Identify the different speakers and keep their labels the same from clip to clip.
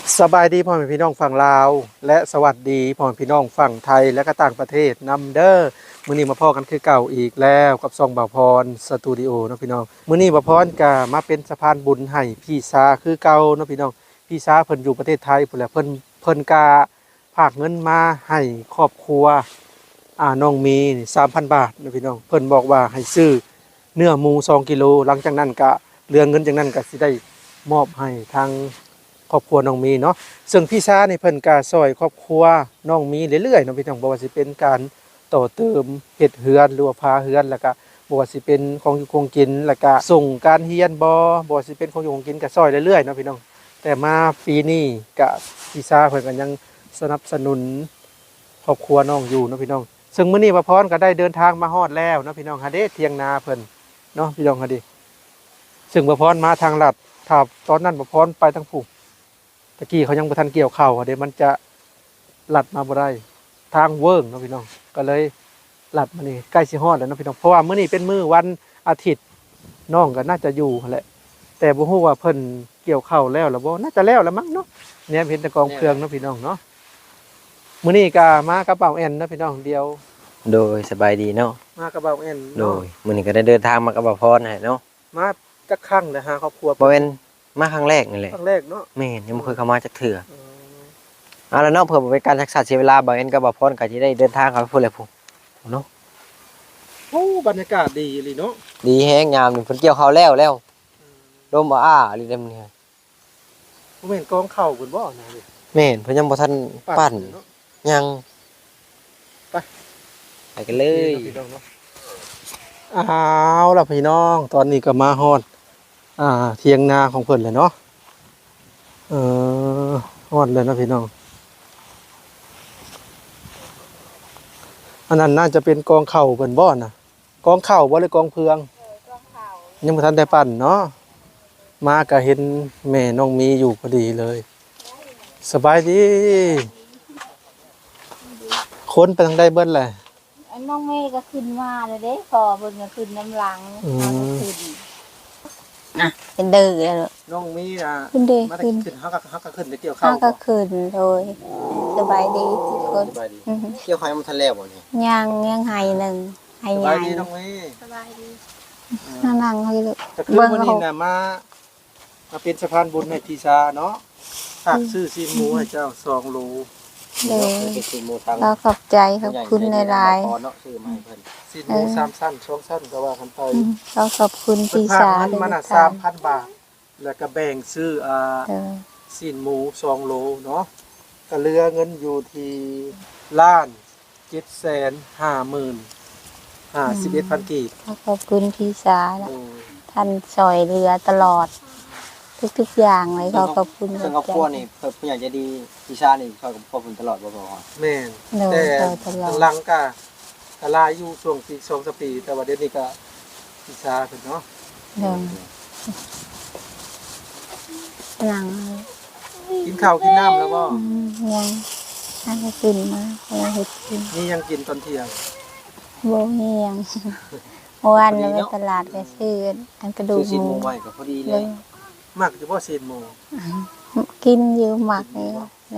Speaker 1: สบายดีพ่อแม่พี่น้องฝั่งลาวและสวัสดีพ่อแม่พี่น้องฝั่งไทยและก็ต่างประเทศนำเด้อมื้อนี้มาพ่อกันคือเก่าอีกแล้วกับซองบ่าวพรสตูดิโอเนาะพี่น้องมื้อนี้บ่าวพรก็มาเป็นสะพานบุญให้พี่สาคือเก่าเนาะพี่น้องพี่สาเพิ่นอยู่ประเทศไทยพุ่นแหละเพิ่นก็ฝากเงินมาให้ครอบครัวน้องมี3,000 บาทเนาะพี่น้องเพิ่นบอกว่าให้ซื้อเนื้อหมู2กิโลหลังจากนั้นก็เรื่องเงินจากนั้นก็สิได้มอบให้ทางครอบครัวน้องมีเนาะซึ่งพี่ชานี่เพิ่นก็ซอยครอบครัวน้องมีเรื่อยๆเนาะพี่น้องบ่ว่าสิเป็นการต่อเติมเฮ็ดเฮือนหรือว่าพาเฮือนแล้วก็บ่ว่าสิเป็นของอยู่คงกินแล้วก็ส่งการเรียนบ่ว่าสิเป็นของอยู่คงกินก็ซอยเรื่อยๆเนาะพี่น้องแต่มาปีนี้ก็พี่ชาเพิ่นก็ยังสนับสนุนครอบครัวน้องอยู่เนาะพี่น้องซึ่งมื้อนี้ป้าพรก็ได้เดินทางมาฮอดแล้วเนาะพี่น้องหาเด้เถียงนาเพิ่นเนาะพี่น้องหาเด้ซึ่งป้าพรมาทางลัดถ้าตอนนั้นป้าพรไปทางผู้ตะกี้เขายังบ่ทันเกี่ยวข้าวเดี๋ยวมันจะลัดมาบ่ได้ทางเวิ้งเนาะพี่น้องก็เลยลัดมานี่ใกล้สิฮอดแล้วเนาะพี่น้องเพราะว่ามื้อนี้เป็นมื้อวันอาทิตย์น้องก็น่าจะอยู่แหละแต่บ่ฮู้ว่าเพิ่นเกี่ยวข้าวแล้วหรือบ่น่าจะแล้วมั้งเนาะเนี่ยเห็นแต่กองเครื่องเนาะพี่น้องเนาะมื้อนี้ก็มากระเป๋าแอนเนาะพี่น้องเดียว
Speaker 2: โดยสบายดีเนาะ
Speaker 1: มากระเป๋าแอน
Speaker 2: โด
Speaker 1: เนาะ
Speaker 2: ยมื้อนี้ก็ได้เดินทางมากับบ่าวพรให้เนาะ
Speaker 1: มาจักครั้งเลยหาครอบครัว
Speaker 2: บ่แม่นมาครั้งแรกนี่แหละ
Speaker 1: ครั้งแรกเนาะ
Speaker 2: แม่นยังบ่เคยเข้ามาจักเทื่อเอาแล้วเนาะเพื่อบ่เป็นการรักษาเสียเวลาบ่าวเอ็นกับบ่าวพรก็สิได้เดินทางเข้าไปพุ่นแหละพุ่นเนาะ
Speaker 1: โอ้บรรยากาศดีอีหลีเนาะ
Speaker 2: ดีแฮงยามนี่เพิ่นเกี่ยวข้าวแล้วลมอ้าอีหลีเด้อมื้อนี้
Speaker 1: บ่แม่นกองข้าวเพิ่นบ่นะเว้ย
Speaker 2: แม่นเพิ่นยังบ่ทันปั้นยังไปกันเลย
Speaker 1: อ้าวล่ะพี่น้องตอนนี้ก็มาฮอดเถียงนาของเพิ่นแล้วเนาะฮอดเลยนะพี่น้องอันนั้นน่าจะเป็นกองข้าวเพิ่นบ่น่ะกองข้าวบ่หรือกองเพือง
Speaker 3: กองข้าว
Speaker 1: ยังบ่ทันได้ปั้นเนาะมาก็เห็นแม่น้องมีอยู่พอดีเลยสบายดีคนไปทางใดเบิดแหละ
Speaker 3: น้องเมย์ก็ขึ้นมาเลยเด้พอเบิ่งก็ขึ้นน้ำหลังขึ้นเป็นเดือเลย
Speaker 1: น้องมี
Speaker 3: ขึ้นเด้
Speaker 1: ขึ้นเฮาก็ขึ้นไปเกี่ยวข้าว
Speaker 3: ก็ขึ้นโดยสบายดีทุกคน
Speaker 2: เกี่ยวข้าวมันทันแล้วบ่นี่
Speaker 3: ยังให้หนึ่งให้ใหญ่
Speaker 1: สบายดีน้องมี
Speaker 3: สบายดีนั่งให้ลูก
Speaker 1: เบิ่งวันนี้น่ะมาเป็นสะพานบุญให้พี่ชาเนาะฝากซื้อซีนหมูให้เจ้า2โล
Speaker 3: เลยเราขอบใจขอบคุณในไลน์
Speaker 1: ซีนหมู3สั้น2สั้นก็ว่ากันไป
Speaker 3: เราขอบคุณพี่ชา
Speaker 1: ด้วยมัน3,000 บาทแล้วก็แบ่งซื้อซีนหมู2โลเนาะก็เหลือเงินอยู่ที่1,750,051 กีบ
Speaker 3: ขอบคุณพี่ชาท่านช่วยเหลือตลอดทุกอย่างเลยขอบคุณ
Speaker 2: ซึ่งครอบครัวนี่เพิ่นอยากจะดีพี่ชานี่ช่วยกับครอบครัวตลอดบ่พอ
Speaker 1: แม่นแต่หลังก็ลาอยู่ช่วงปี2-3ปีแต่ว่าเดี๋ยวนี้ก็พี่ชาเพิ่นเนาะ
Speaker 3: นั่ง
Speaker 1: กินข้าวกินน้ำแล้วบ่
Speaker 3: ยังน่าจะกินมาเฮ็ดกิน
Speaker 1: นี่ยังกินตอนเที่ยง
Speaker 3: บ่มียังเมื่อวานเราไปตลาดไปซื้ออันกระดูกหมู
Speaker 2: ไว้ก็พอดีเลย
Speaker 1: มักเฉพาะซีนหมู
Speaker 3: กินเยอะมากเลย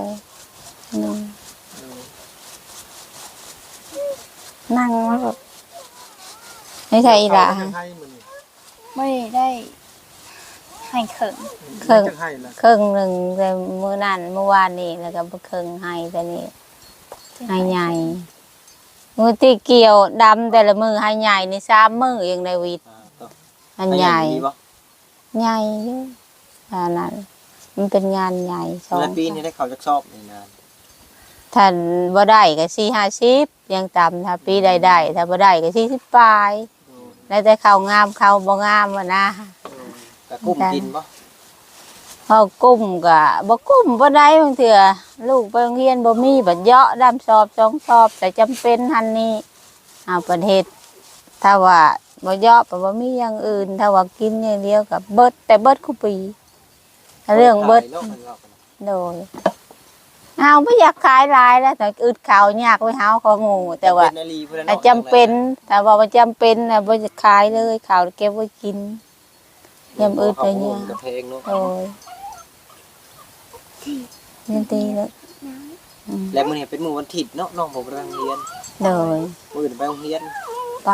Speaker 3: นั่งแล้วแบบไม่ใช่อีหล่ะไม่ได้ให้เครื่องหนึ่งแต่เมื่อวานนี่แล้วก็เครื่องให้แต่นี่ให้ใหญ่มือตีเกี่ยวดำแต่ละมือให้ใหญ่ใน3 มือเองในวิทย์อันใหญ่ใหญ่เยอะนั้นมันเป็นงานใหญ่
Speaker 2: แล้วปีนี้ได้เขาจักสอบในงาน
Speaker 3: ถ้าบ่ได้ก็40ยังต่ำถ้าปีใดๆถ้าบ่ได้ก็40ปลายแล้วแต่เขางามเขาบ่งามนะ
Speaker 2: ก็กุ้มกินบ่
Speaker 3: เฮากุ้มก็บ่กุ้มบ่ได้บางเทื่อลูกไปโรงเรียนบ่มีบัดเหาะดำสอบ2 สอบแต่จำเป็นหั่นนี่เอาประเทศถ้าว่าบ่เหาะบ่มีอย่างอื่นถ้าว่ากินอย่างเดียวก็เบิดแต่เบิดคุปีเรื่องเบิดโดยเอาไม่อยากขายลายแล้วแต่อึดข่าวยากไว้เฮาของูแต่ว่าจำเป็นแต่ว่ามันจำเป็นนะไม่จะขายเลยข่าวเก็บไว้กินยำอึดอะไรเงี้ยโอ้ยเรียนตีเลย
Speaker 2: แล้วมื้อนี้เป็นมื้อวันอาทิตย์เนาะน้องบ่ไปโรงเรียน
Speaker 3: โดย
Speaker 2: มื้ออื่นไปโรงเรียน
Speaker 3: ไป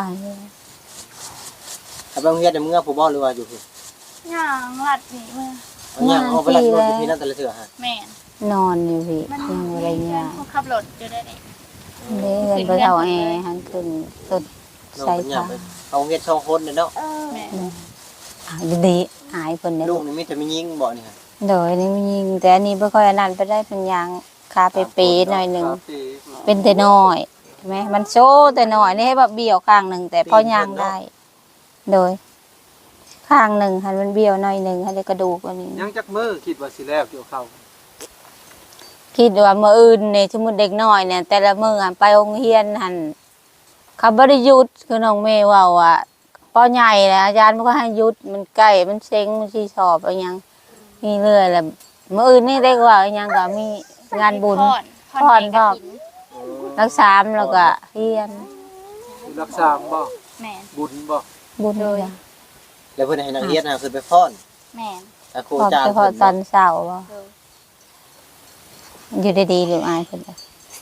Speaker 2: ถ้าไปโรงเรียนเดี๋ยวมึงเอาผู้บ่หรือว่าอยู่พุ่น
Speaker 4: ย่างลัดนี่มา
Speaker 2: เอาหยังเอาไปลัดรถอยู่พี่นั่นแต่ละเทื่อฮะ
Speaker 4: แม่น
Speaker 3: นอนอยู่พี่
Speaker 4: มัน
Speaker 3: ยังอะไรเงี้ย
Speaker 4: เขาขับรถอยู่ได้นี่
Speaker 3: เดินไปเท่าแอร์หันขึ้นสุด
Speaker 2: น้อง
Speaker 3: ใส่
Speaker 2: เป็นหยั
Speaker 3: ผ้าง
Speaker 2: ไปเอาโรงเรียนสองคนเนาะ
Speaker 4: แม่น
Speaker 3: ดีหายคนเนี่ย
Speaker 2: ลูกนี่มีแต่มียิงบ่นี่ฮะ
Speaker 3: โดยนี่มันยิงแต่อันนี้ไม่ค่อยอันนั้นไปได้เป็นยางคาเป๊ะๆหน่อยหนึ่งเป็นแต่น้อยใช่ไหมมันโซ่แต่น้อยนี่ให้แบบเบี้ยวข้างหนึ่งแต่พอยางได้ โดย ข้างหนึ่งหันมันเบี้ยวหน่อยหนึ่งให้ได้กระดูกอันนี้
Speaker 1: ยังจักมือคิดว่าสิแล้วเกี่ยวข้าว
Speaker 3: คิดว่ามื้ออื่นเนี่ยสมมุติเด็กน้อยเนี่ย แต่ละมื้อหันไปโรงเรียนหันเขาบ่ได้หยุดคือน้องเมย์เว่าอ่ะพอใหญ่แล้วอาจารย์มันก็ให้หยุดมันใกล้มันเซ็งมันสิสอบอะไรหยังมีเรื่อยแหละมื้ออื่นนี่ได้กว่าอะไรหยังก็มีงานบุญ
Speaker 4: พร
Speaker 3: พร รักษาแล้วก็เรียน
Speaker 1: รักษาบ่
Speaker 4: แม่น
Speaker 1: บุญบ่
Speaker 3: บุญเลย
Speaker 2: แล้วเพิ่นให้นักเรียนน่ะขึ้นไปฟ้อน
Speaker 4: แม่น
Speaker 2: ถ้าครู
Speaker 3: พอ
Speaker 2: จ้าง
Speaker 3: ไปพอ
Speaker 2: เพิ่น
Speaker 3: ตอนเช้าบ่
Speaker 4: โดย
Speaker 3: อยู่ดีๆหรืออายเพิ่นน่ะ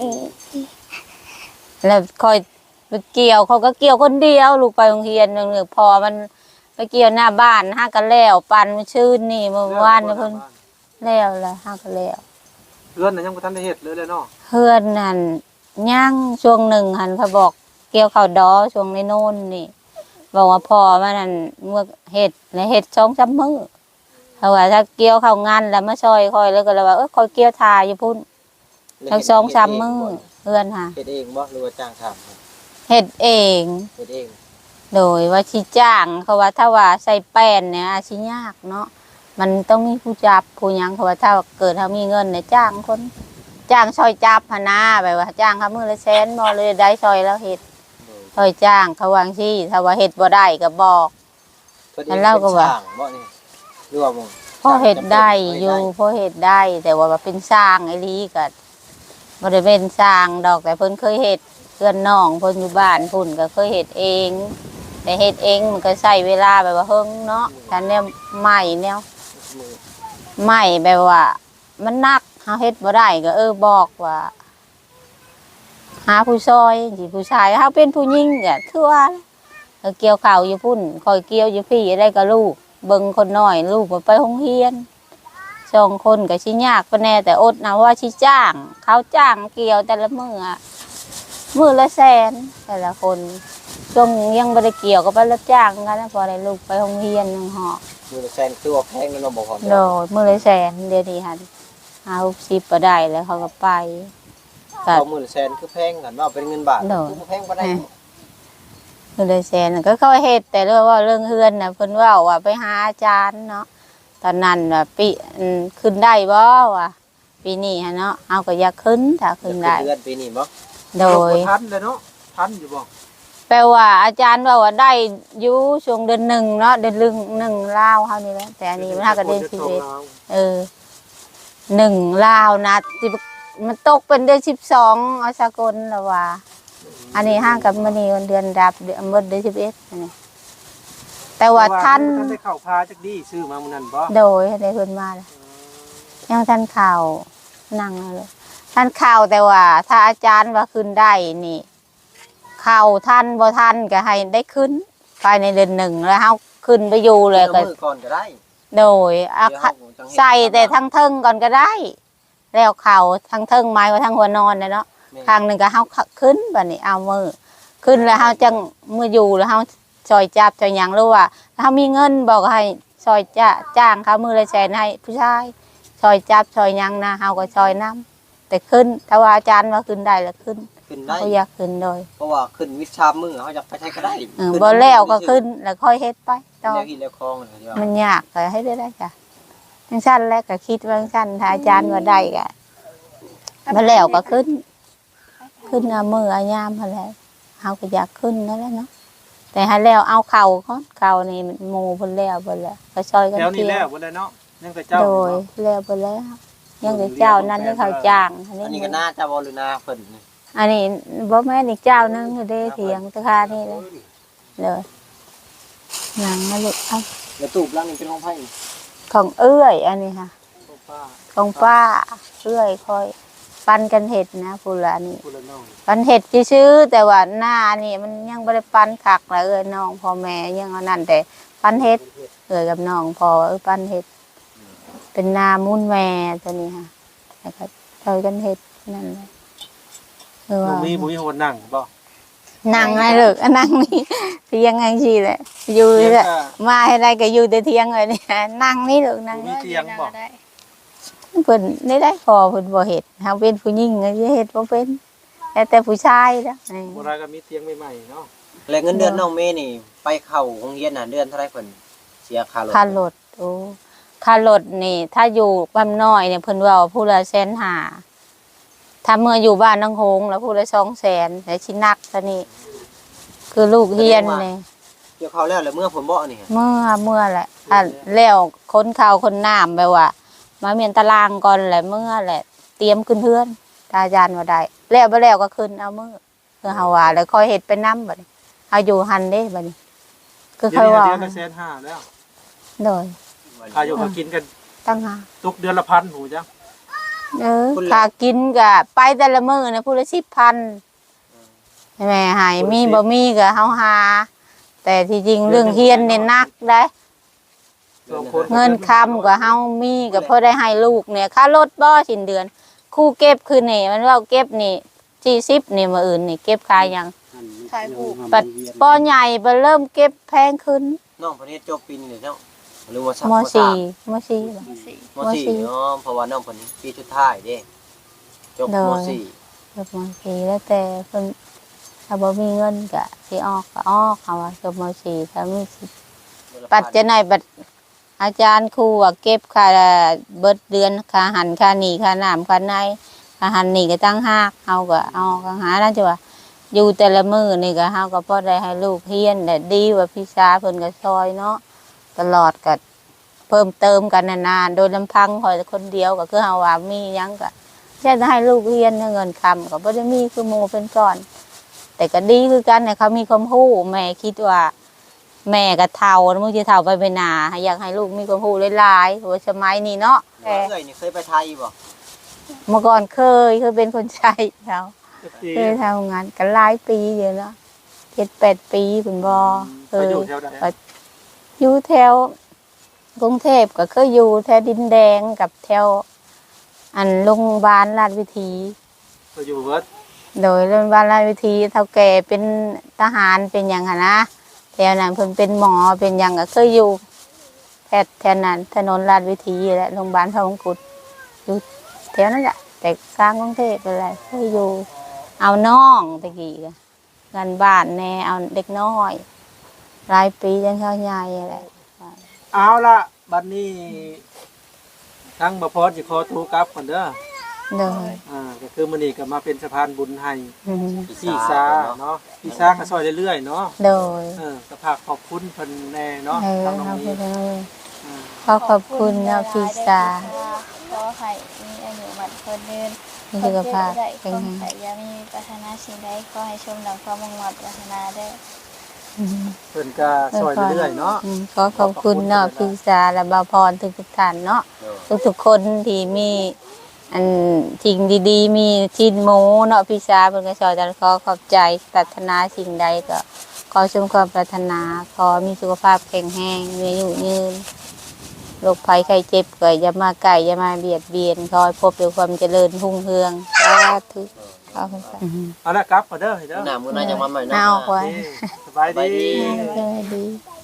Speaker 3: แล้วคอยไปเกี่ยวเขาก็เกี่ยวคนเดียวลูกไปโรงเรียนนึงพอมันไปเกี่ยวหน้าบ้านห้ากันแล้วปันมันชื่นนี่เมื่อวานนี่เพิ่นแล้วละห้ากันแล้ว
Speaker 1: เรือนน่ะยังบ่ทันได้เฮ็ดเลยเนาะ
Speaker 3: เพื่อนนั่นย่างช่วงหนึ่งหันเขาบอกเกี่ยวข้าวดอช่วงในโน่นนี่บอกว่าพอมันนั่นเมื่อเห็ดในเห็ด2-3 มื้อเขาว่าถ้าเกี่ยวข้าวงานแล้วมาซอยคอยแล้วก็เลยว่าคอยเกี่ยวทาอยู่พุ่นทั้ง2-3 มื้อเพื่อนค่ะ
Speaker 2: เฮ็ดเองบ่หรือว่าจ้างทำ
Speaker 3: เห็ดเอง
Speaker 2: เฮ็ดเอง
Speaker 3: โดยว่าชิจ้างเขาว่าถ้าว่าใส่แป้นเนี่ยอาชิยากเนาะมันต้องมีผู้จับผู้หยังเขาว่าถ้าเกิดเขามีเงินเนี่ยจ้างคนจ้างซอยจับพนาแบบว่าจ้างเขามือละแสนบ่เลยได้ซอยแล้วเห็ดซอยจ้างเขาวางที่ถ้าว่าเห็ดบ่ได้ก็บอก
Speaker 2: เพิ่นเอง
Speaker 3: แล้วก็
Speaker 2: เป็น
Speaker 3: ว่า
Speaker 2: ช่างบ่นี่หรือว่าบ่
Speaker 3: พอเห็ดได้อยู่พอเห็ดได้ แต่ว่าเป็นสร้างไอ้ลีก็บ่ได้เป็นสร้างดอกแต่เพิ่นเคยเห็ดเพื่อนน้องเพิ่นอยู่บ้านพุ่นก็เคยเห็ดเอง แต่เฮ็ดเองมันก็ใช้เวลาแบบว่าเฮิงเนาะถ้าแนวใหม่แนว
Speaker 2: มือ
Speaker 3: ใหม่แบบว่า มันหนักเฮาเฮ็ดบ่ได้ก็บอกว่า หาผู้ซอยสิผู้ชายเฮาเป็นผู้หญิงก็คือว่าเกี่ยวข้าวอยู่พุ่นคอยเกี่ยวอยู่พี่ได้กับลูกเบิ่งคนน้อยลูกบ่ไปโรงเรียน2 คนก็สิยากปานแน่แต่อดนะว่าสิจ้าง เขาจ้างเกี่ยวแต่ละมื้ออะมื้อละแสนแต่ละคน ช่วงยังไม่ได้เกี่ยวก็ไปรับจ้างกันนะพอได้ลูกไปโรงเรียนยังหอ
Speaker 2: มือละแสนคือว่าแพงแล้วเนาะบ่พอ
Speaker 3: โดดมือเลยแสนเดี๋ยวนี้หัน50ก็ได้แล้วเขาก็ไปก็
Speaker 2: เอามือละแสนคือแพงกันว่าเป็นเงินบาท
Speaker 3: เนาะ
Speaker 2: คือบ่แพงบ่ได้
Speaker 3: มือเลยแสนน่ะก็เข้าเฮ็ดแต่เรื่องว่าเรื่องเฮือนน่ะเพิ่นเว่าว่าไปหาอาจารย์เนาะตอนนั้นว่าปีขึ้นได้บ่วะปีนี้ฮะเนาะเอาก็อยากขึ้นถ้าขึ้นได้
Speaker 2: เดือนปีนี้บ่
Speaker 3: โดย
Speaker 1: ทันเลยเนาะทันอยู่บ่
Speaker 3: แปลว่าอาจารย์ว่าได้อยู่ช่วงเดือน1เนาะเดือน1ลาวเฮานี่แหละแต่อันนี้มันหาก็เดือน11 1ลาวนะที่มันตกเป็นเดือน12เอาสากลแล้วว่า อันนี้ห้างกับมื้อนี้วันเดือนดับเดือนหมดเดือน11อันนี้แต่ว่าท่าน
Speaker 1: ได้เข้าพาจักดีซื้อมามื้อนั้นบ่
Speaker 3: โดยได้เพิ่นมาแล้วยังท่านข่าวนั่งเลยท่านข่าวแต่ว่า ถ้าอาจารย์ว่าขึ้นได้นี่ข่าวท่านบ่ท่านก็ให้ได้ขึ้นภายในเดือน1แล้วเฮาขึ้นไปอยู่เลยก็
Speaker 2: มือก่อนก็ได้
Speaker 3: โดยอา
Speaker 2: เดี๋ยว
Speaker 3: คา
Speaker 2: เฮาจังเฮ็ด
Speaker 3: ใส่แต่ทั้งเทิงก่อนก็ได้ แล้วเข่าทั้งเทิงไม้ว่าทั้งหัวนอนเนาะ
Speaker 2: แม่
Speaker 3: ข้างหนึ่งก็เฮาขึ้นบัดนี้เอามือขึ้นแล้วเฮาจังมืออยู่แล้วเฮาซอยจับซอยหยังหรือว่าถ้าเฮามีเงินบอกให้ซอยจ้างเขามือละแสนให้ผู้ชายซอยจับซอยหยังนะเฮาก็ซอยน้ำแต่ขึ้นถ้าว่าอาจารย์ว่าขึ้นได้แล้วขึ้น
Speaker 2: ขึ้นได้
Speaker 3: เขาอยากขึ้นโดย
Speaker 2: เพราะว่าขึ้นวิชามือเฮาอยากไปใช้ก็ได้
Speaker 3: บ่แล้วก็ขึ้นแล้วค่อยเฮ็ดไปต่อ
Speaker 2: แล้วกินแล้วคลองเลยว่า
Speaker 3: มันยากก็ให้ได้จ้ะจังซั่นแล้วก็คิดว่าจังซั่นถ้าอาจารย์ว่าได้ก็บ่แล้วก็ขึ้นเอามือเอายามหั่นแหละเฮาก็อยากขึ้นนั่นแหละเนาะแต่ให้แล้วเอาเข่าก่อนเข่านี่มันหมู่เพิ่นแล้วเพิ่นแล้วก็ซอยกัน
Speaker 1: แถวนี้
Speaker 3: เที่ย
Speaker 1: แล้ว
Speaker 3: ว
Speaker 1: บ่ได้เนาะยังแต่เจ้า
Speaker 3: โดยแล้วเพิ่นแล้วยังแต่เจ้านั้นที่เขาจ้างอัน
Speaker 2: อันนี้
Speaker 3: นี้
Speaker 2: ก็น่าจะบ่หรือนาเพิ่นนี่
Speaker 3: อันนี้บ่แม่นอีกเจ้านึงอยู่เด้เถียงตะคานี่เลยหนังมาลูกเอา
Speaker 2: แล้วตูบหลังนี่เป็นของไผนี่
Speaker 3: ของเอื้อยอันนี้ค่ะ
Speaker 2: ของไผ
Speaker 1: ป้า
Speaker 3: ของป้าเรื่อยคอยปันกันเห็ดนะพูละนี่
Speaker 1: ผู้ละน้อง
Speaker 3: ปันเห็ดซื้อๆแต่ว่าหน้านี่มันยังบ่ได้ปันคักเลยน้องพ่อแม่ยังเอานั่นแต่ปันเห็ดกับน้องพอปันเห็ดเป็นนามุนแม่ตัวนี้ค่ะแล้วก็เจอกันเห็ดนั่นเลยว่า
Speaker 1: บ่มีคนนั่งบ่
Speaker 3: นั่งไงเลิกนั่งนี่เที่ยงไงชีแหละอยู่
Speaker 1: เตียง
Speaker 3: แหละ
Speaker 1: ก็
Speaker 3: มาให้ได้ก็อยู่แต่เที่ยงเลยเนี่ยนั่งนี่เลิกนั่ง
Speaker 1: มีเตียงบ่
Speaker 4: ได้
Speaker 3: เพิ่นได้พอเพิ่นบ่เฮ็ดเฮาเป็นผู้หญิงก็สิเฮ็ดบ่เป็นแต่ผู้ชายนะ
Speaker 1: บ่ได้ก็มีเตียงใหม่ๆเนาะ
Speaker 2: และเงินเดือนน้องเมย์นี่ไปเข้าโรงเรียนน่ะเดือนเท่าไหร่เพิ่นเสียค่ารถ
Speaker 3: ค่ารถโอ้ค่ารถนี่ ถ้าอยู่บ้านน้อยเนี่ยเพิ่นว่าผู้ละ150,000ถ้าเมื่ออยู่บ้านนางโฮงแล้วผู้ละ200,000แต่สิหนักซะนี่คือลูกเรียนนี่
Speaker 2: เกี่ยวข้าวแล้วเมื่อผมบ่นี่
Speaker 3: เมื่อแหละถ้าแล้วคนข้าวคนน้ำแบบว่า มาเมียนตารางก่อนแหละเมื่อแหละ เตรียมขึ้นเพื่อนตาอาจารย์ว่าได้แล้วบ่แล้วก็ขึ้นเอามือคือเฮาว่าแล้วคอยเฮ็ดไปนำบัดนี้เอาอยู่หันเด้บัดนี้คือ
Speaker 1: เดี๋
Speaker 3: ค่
Speaker 1: ย
Speaker 3: อ
Speaker 1: วย นี้
Speaker 3: ว่า
Speaker 1: เดือนละ150,000แล้ว
Speaker 3: โดย
Speaker 1: ค่าอยู่ค่ากินกัน
Speaker 3: ตั้งหา
Speaker 1: ตกเดือนละ1,000หูจ้ะ
Speaker 3: ค่ากินก็ไปแต่ละมื้อนะผู้ละ10,000แม่ให้มีบ่มีก็เฮาหาแต่ที่จริงเรื่องเฮียนนี่หนักได้
Speaker 1: สองคน
Speaker 3: เงินคำก็เฮามีก็พอได้ให้ลูกเนี่ยค่ารถบ่สิ้นเดือนครูเก็บคือนี่มันว่าเก็บนี่40นี่มื้ออื่นนี่เก็บขายหยัง
Speaker 4: ขายผูก
Speaker 3: ปัดปอใหญ่ไปเริ่มเก็บแพงขึ้น
Speaker 2: น้องเพิ่นเฮ็ดจบปีนี้เนาะหรือว่าสัก
Speaker 3: ม
Speaker 2: ม
Speaker 3: สี่มสี่เหรอ
Speaker 4: สี่
Speaker 2: มสี่เนาะเพราะว่าน้องเพิ่นปีสุดท้ายเด้จบ
Speaker 3: เด้อ
Speaker 2: มสี่
Speaker 3: จบมสี่แล้วแต่เพิ่นถ้าบ่มีเงินก็สิออกก็ออกเขาว่าจบมสี่ถ้ามีสิปัดจะไหนบัดอาจารย์ครูว่าเก็บค่าเบิดเดือนค่าหันค่าหนีค่าน้ำค่าในค่าหันหนีก็ตั้งหากเฮาก็เอาก็หานั่นจ้ะว่าอยู่แต่ละมื้อนี่ก็เฮาก็พอได้ให้ลูกเรียนได้ดีกว่าพี่สาเพิ่นก็ซอยเนาะตลอดก็เพิ่มเติมกันนานๆโดยลำพังคอยคนเดียวก็คือเฮาว่ามีหยังก็แค่ให้ลูกเรียนเงินคำก็บ่ได้มีคือหมู่เป็นก้อน แต่ก็ดีคือกันเนี่ยเขามีความรู้แม่คิดว่า แม่ก็เฒ่าแล้วมึงจะเฒ่าไปหนาอยากให้ลูกมีความรู้หลายๆเพราะว่าสมัยนี้เนาะแต่
Speaker 2: เอ้ยนี่เคยไปไทยบ่
Speaker 3: เมื่อก่อนเคยเป็นคนใช้เขาเคยทำงานกันหลายปีอยู่เนาะ7-8 ปีคุณบอเค
Speaker 1: ไป
Speaker 3: ย
Speaker 1: อยู่แถวใด
Speaker 3: อยู่แถวกรุงเทพก็เคยอยู่แถวดินแดงกับแถวอันโรงพยาบาลราชวิถี
Speaker 1: ไปอยู่เบิด
Speaker 3: โดยโรงพยาบาลราชวิถีเท่าแก่เป็นทหารเป็นอย่างหั้นนะแถวนั้นเพิ่นเป็นหมอเป็นอย่างก็เคยอยู่แถวนั้นถนนราชวิถีและโรงพยาบาลพระมงกุฎอยู่แถวนั้นแหละแต่กลางกรุงเทพไปเลยเคยอยู่ เอาน้องตะกี้ก็งานบ้านแน่เอาเด็กน้อยหลายปีจนเขาใหญ่อะไร
Speaker 1: เอาล่ะบัดนี้ทั้งบ่พอสิขอตัวกลับก่อนเด้อ
Speaker 3: เลย
Speaker 1: ก็คือมื้อนี้ก็มาเป็นสะพานบุญให้
Speaker 3: อืม
Speaker 1: พี่ซาเนาะพี่ซาก็ซอยเรื่อยๆเนาะ
Speaker 3: โดย
Speaker 1: ก็ฝากขอบคุณเพิ่นแน่เนาะ
Speaker 3: เออ
Speaker 1: ทางน้อง
Speaker 3: เขา
Speaker 1: นี้
Speaker 3: ไปเลยขอบคุณนะพี่สา
Speaker 4: ขอให้มีอายุมันคนเดิน
Speaker 3: มีสุขภาพ
Speaker 4: ได้ค
Speaker 3: แข็ง
Speaker 4: วาม
Speaker 3: แรง
Speaker 4: ใส่ยามีปรารถนาสิ่งใดขอให้ชมดังความมุ่งมั่นปรารถนาได้
Speaker 3: อืม
Speaker 1: เพิ่นก็ซอยเรื่อยๆเนาะ
Speaker 3: ขอขอบคุณเนาะพี่สาและบาวพรทุกท่านเนาะทุกๆคนที่มีอันสิ่งดีๆ มีชิ้นหมูเนาะพี่สาเพิ่นก็สอนจะขอขอบใจปรารถนาสิ่งใดก็ขอชมความปรารถนาขอมีสุขภาพแข็งแรงมีอายุยืนโรคภัยไข้เจ็บก็อย่ามาใกล้อย่ามาเบียดเบียนขอให้พบด้วยความเจริญรุ่งเรืองสาธุขอบคุณค่ะ
Speaker 1: เอาละกลับก่อนเด้อเด้อ
Speaker 2: หน้ามื้อหน้าจะมาใหม่เนาะ
Speaker 3: เอาไว้
Speaker 1: สบายดี
Speaker 3: สวัสดี